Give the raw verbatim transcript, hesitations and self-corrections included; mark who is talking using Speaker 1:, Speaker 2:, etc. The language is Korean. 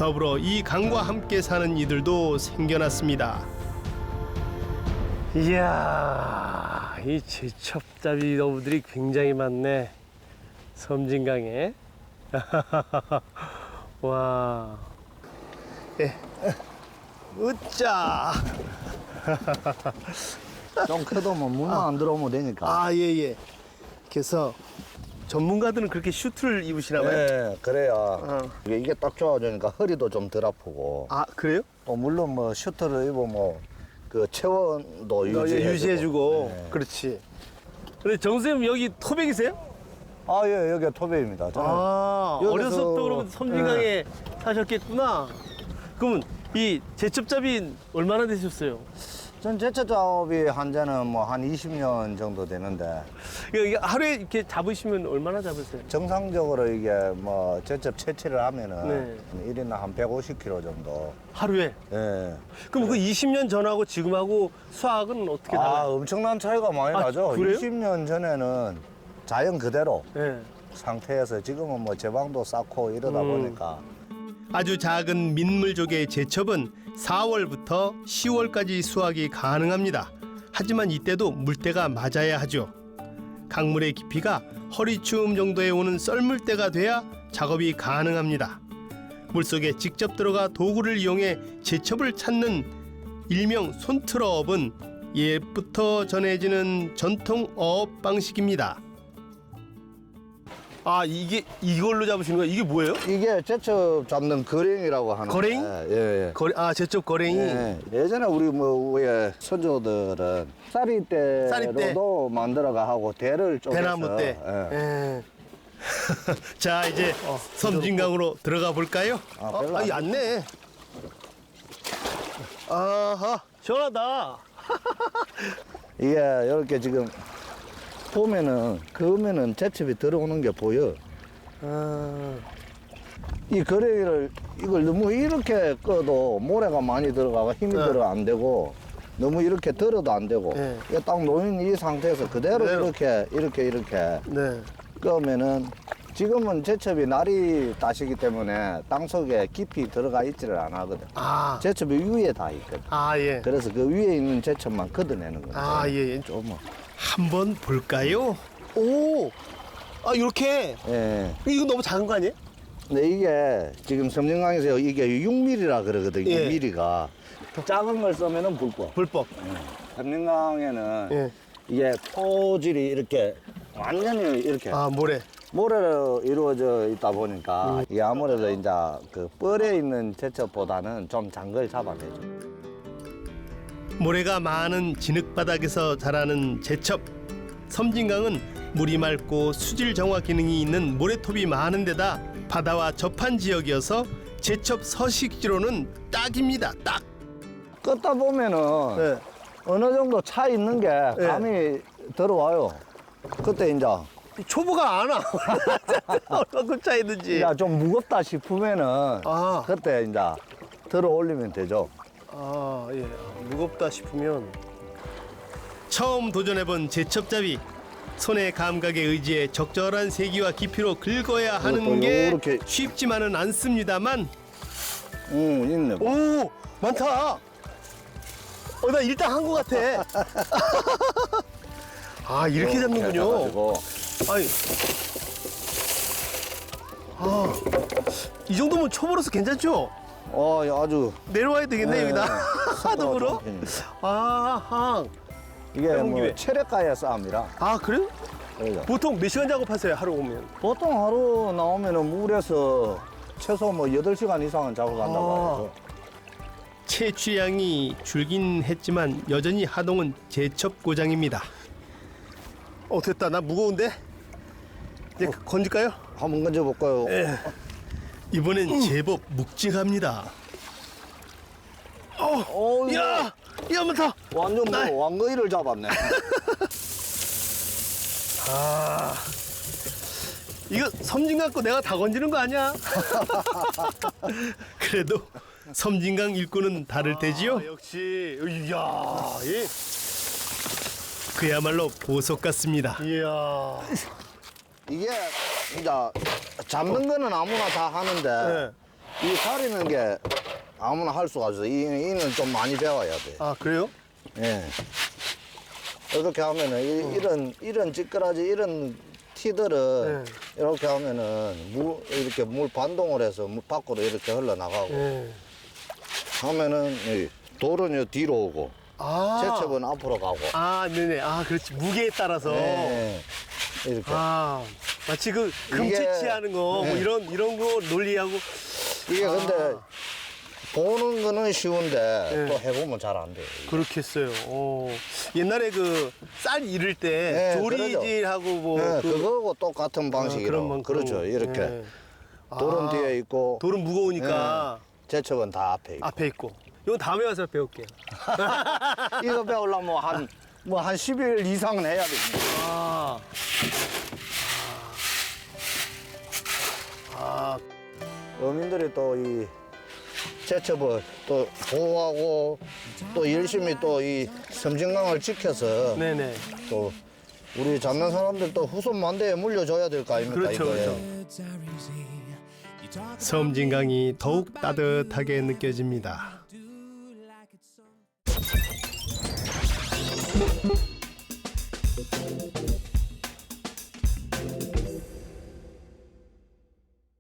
Speaker 1: 더불어 이 강과 함께 사는 이들도 생겨났습니다. 이야, 이 제첩잡이 어부들이 굉장히 많네. 섬진강에. 와. 예. 으짜.
Speaker 2: 좀 커도 뭐 물만 안 들어오면 되니까.
Speaker 1: 아, 예, 예. 그래서 전문가들은 그렇게 슈트를 입으시나 봐요?
Speaker 2: 네, 그래야
Speaker 1: 어.
Speaker 2: 이게, 이게 딱 좋아지니까 허리도 좀 덜 아프고.
Speaker 1: 아, 그래요?
Speaker 2: 또 물론 뭐 슈트를 입으면 그 체온도 유지해주고.
Speaker 1: 유지해주고.
Speaker 2: 네.
Speaker 1: 그렇지. 근데 정 선생님 여기 토백이세요?
Speaker 2: 아, 예, 여기가 토베입니다. 저는
Speaker 1: 아,
Speaker 2: 여기서-
Speaker 1: 어려서부터 그러면 섬진강에 사셨겠구나. 그러면 이 제첩잡이 얼마나 되셨어요?
Speaker 2: 전 제철작업이 한자는 뭐 한 이십 년 정도 되는데
Speaker 1: 이거 이게 하루에 이렇게 잡으시면 얼마나 잡으세요?
Speaker 2: 정상적으로 이게 뭐 제첩 채취를 하면은
Speaker 1: 네.
Speaker 2: 일 인당 한 백오십 킬로그램 정도.
Speaker 1: 하루에?
Speaker 2: 예.
Speaker 1: 그럼 그 이십 년 전하고 지금하고 수확은 어떻게
Speaker 2: 아,
Speaker 1: 달라요?
Speaker 2: 엄청난 차이가 많이
Speaker 1: 아,
Speaker 2: 나죠.
Speaker 1: 그래요?
Speaker 2: 이십 년 전에는 자연 그대로
Speaker 1: 네.
Speaker 2: 상태에서 지금은 뭐 제방도 쌓고 이러다
Speaker 1: 음.
Speaker 2: 보니까
Speaker 1: 아주 작은 민물조개 제첩은 사월부터 시월까지 수확이 가능합니다. 하지만 이때도 물때가 맞아야 하죠. 강물의 깊이가 허리춤 정도에 오는 썰물때가 돼야 작업이 가능합니다. 물속에 직접 들어가 도구를 이용해 제첩을 찾는 일명 손틀어업은 옛부터 전해지는 전통 어업 방식입니다. 아, 이게 이걸로 잡으시는 거예요? 이게 뭐예요?
Speaker 2: 이게 제첩 잡는 거랭이라고 하는데
Speaker 1: 거랭이?
Speaker 2: 예, 예.
Speaker 1: 거래, 아, 제첩 거랭이.
Speaker 2: 예, 예전에 우리 뭐 위에 선조들은 쌀이대로도
Speaker 1: 쌀이대.
Speaker 2: 만들어가 하고 대를 쪼개서
Speaker 1: 대나무 때.
Speaker 2: 예.
Speaker 1: 예. 자, 이제 섬진강으로 들어가 볼까요?
Speaker 2: 아, 별로
Speaker 1: 아,
Speaker 2: 안
Speaker 1: 얕네. 아하, 시원하다.
Speaker 2: 이게 이렇게 지금 보면은 그으면은 제첩이 들어오는 게 보여.
Speaker 1: 아,
Speaker 2: 이 거래기를 이걸 너무 이렇게 꺼도 모래가 많이 들어가고 힘이
Speaker 1: 네.
Speaker 2: 들어 안 되고 너무 이렇게 들어도 안 되고
Speaker 1: 네.
Speaker 2: 이게 딱 놓인 이 상태에서 그대로,
Speaker 1: 그대로.
Speaker 2: 이렇게 이렇게 이렇게
Speaker 1: 네.
Speaker 2: 끄면은 지금은 제첩이 날이 따시기 때문에 땅 속에 깊이 들어가 있지를 안 하거든.
Speaker 1: 아,
Speaker 2: 제첩이 위에 다 있거든.
Speaker 1: 아, 예.
Speaker 2: 그래서 그 위에 있는 제첩만 걷어내는 거지.
Speaker 1: 아, 예, 예.
Speaker 2: 좀.
Speaker 1: 한번 볼까요? 오, 아, 이렇게.
Speaker 2: 예.
Speaker 1: 이거 너무 작은 거 아니에요?
Speaker 2: 근데 이게 지금 섬진강에서 이게 육 밀리미터라 그러거든.
Speaker 1: 예.
Speaker 2: 육 밀리미터가 작은 걸 쓰면은 불법.
Speaker 1: 불법.
Speaker 2: 섬진강에는
Speaker 1: 예.
Speaker 2: 이게 토질이 이렇게 완전히 이렇게
Speaker 1: 아, 모래.
Speaker 2: 모래로 이루어져 있다 보니까 이게 아무래도 이제 그 뻘에 있는 제첩보다는 좀 장걸 잡아내죠.
Speaker 1: 모래가 많은 진흙바닥에서 자라는 제첩. 섬진강은 물이 맑고 수질 정화 기능이 있는 모래톱이 많은 데다 바다와 접한 지역이어서 제첩 서식지로는 딱입니다. 딱.
Speaker 2: 껐다 보면은
Speaker 1: 네.
Speaker 2: 어느 정도 차 있는 게 감이 들어와요. 그때 이제
Speaker 1: 초보가 안 와. 얼마큼 차이든지.
Speaker 2: 이제 좀 무겁다 싶으면은
Speaker 1: 아.
Speaker 2: 그때 이제 들어 올리면 되죠.
Speaker 1: 아, 예. 무겁다 싶으면 처음 도전해본 제첩잡이. 손의 감각에 의지해 적절한 세기와 깊이로 긁어야 하는
Speaker 2: 이것도
Speaker 1: 게
Speaker 2: 요렇게.
Speaker 1: 쉽지만은 않습니다만.
Speaker 2: 응, 있네.
Speaker 1: 오, 많다. 어, 나 일단 한 것 같아. 아, 이렇게 잡는군요.
Speaker 2: 해가지고.
Speaker 1: 아니, 아, 이 정도면 초보로서 괜찮죠?
Speaker 2: 어, 아주
Speaker 1: 내려와야 되겠네,
Speaker 2: 네,
Speaker 1: 여기다.
Speaker 2: 속도가
Speaker 1: 하동으로?
Speaker 2: 좋은 편입니다.
Speaker 1: 아하.
Speaker 2: 이게
Speaker 1: 해본
Speaker 2: 뭐
Speaker 1: 김에.
Speaker 2: 체력가의 싸움이라.
Speaker 1: 아, 그래요?
Speaker 2: 그러죠.
Speaker 1: 보통 몇 시간 작업하세요, 하루 오면?
Speaker 2: 보통 하루 나오면은 물에서 최소 뭐 여덟 시간 이상은 작업한다고
Speaker 1: 아.
Speaker 2: 하죠.
Speaker 1: 채취량이 줄긴 했지만 여전히 하동은 제첩 고장입니다. 어, 됐다. 나 무거운데? 이제 건질까요?
Speaker 2: 한번 건져볼까요?
Speaker 1: 예. 이번엔 제법 묵직합니다. 어,
Speaker 2: 어,
Speaker 1: 야, 야, 많다.
Speaker 2: 완전
Speaker 1: 나-
Speaker 2: 뭐 왕거이를 잡았네.
Speaker 1: 아, 이거 섬진강 거 내가 다 건지는 거 아니야? 그래도 섬진강 일꾼은 다를 테지요. 아, 역시, 이야, 예. 그야말로 보석 같습니다. 이야.
Speaker 2: 이게 이제 잡는 거는 아무나 다 하는데
Speaker 1: 네.
Speaker 2: 이 가리는 게 아무나 할 수가 없어. 이, 이는 좀 많이 배워야 돼.
Speaker 1: 아 그래요?
Speaker 2: 예. 이렇게 하면은 이, 이런 이런 찌끄라지 이런 티들은
Speaker 1: 네.
Speaker 2: 이렇게 하면은 물 이렇게 물 반동을 해서 물 밖으로 이렇게 흘러나가고
Speaker 1: 네.
Speaker 2: 하면은 이 돌은 요 뒤로 오고
Speaker 1: 아.
Speaker 2: 제첩은 앞으로 가고.
Speaker 1: 아, 네네. 아, 그렇지. 무게에 따라서.
Speaker 2: 예. 이렇게.
Speaker 1: 아, 마치 그
Speaker 2: 이게-
Speaker 1: 금채취하는 거, 뭐
Speaker 2: 네.
Speaker 1: 이런 이런 거 논리하고.
Speaker 2: 이게
Speaker 1: 아.
Speaker 2: 근데 보는 거는 쉬운데
Speaker 1: 네.
Speaker 2: 또 해보면 잘 안 돼요.
Speaker 1: 그렇겠어요. 어. 옛날에 그 쌀 이를 때
Speaker 2: 네,
Speaker 1: 조리질하고 뭐
Speaker 2: 네,
Speaker 1: 그
Speaker 2: 그거하고 똑같은
Speaker 1: 아,
Speaker 2: 방식이로.
Speaker 1: 그런 만-
Speaker 2: 그렇죠.
Speaker 1: 그런-
Speaker 2: 이렇게.
Speaker 1: 네.
Speaker 2: 돌은
Speaker 1: 아,
Speaker 2: 뒤에 있고
Speaker 1: 돌은 무거우니까
Speaker 2: 제첩은 다 앞에 있고.
Speaker 1: 앞에 있고. 이건 다음에 와서 배울게요.
Speaker 2: 이거 배우려면 한, 뭐 한 십 일 이상은 해야 됩니다.
Speaker 1: 아. 아.
Speaker 2: 어민들이 또 이 제첩을 또 보호하고 또 열심히 또 이 섬진강을 지켜서
Speaker 1: 네네.
Speaker 2: 또 우리 잡는 사람들 또 후손 만대에 물려줘야 될 거 아닙니까?
Speaker 1: 그렇죠,
Speaker 2: 이거에.
Speaker 1: 그렇죠. 섬진강이 더욱 따뜻하게 느껴집니다.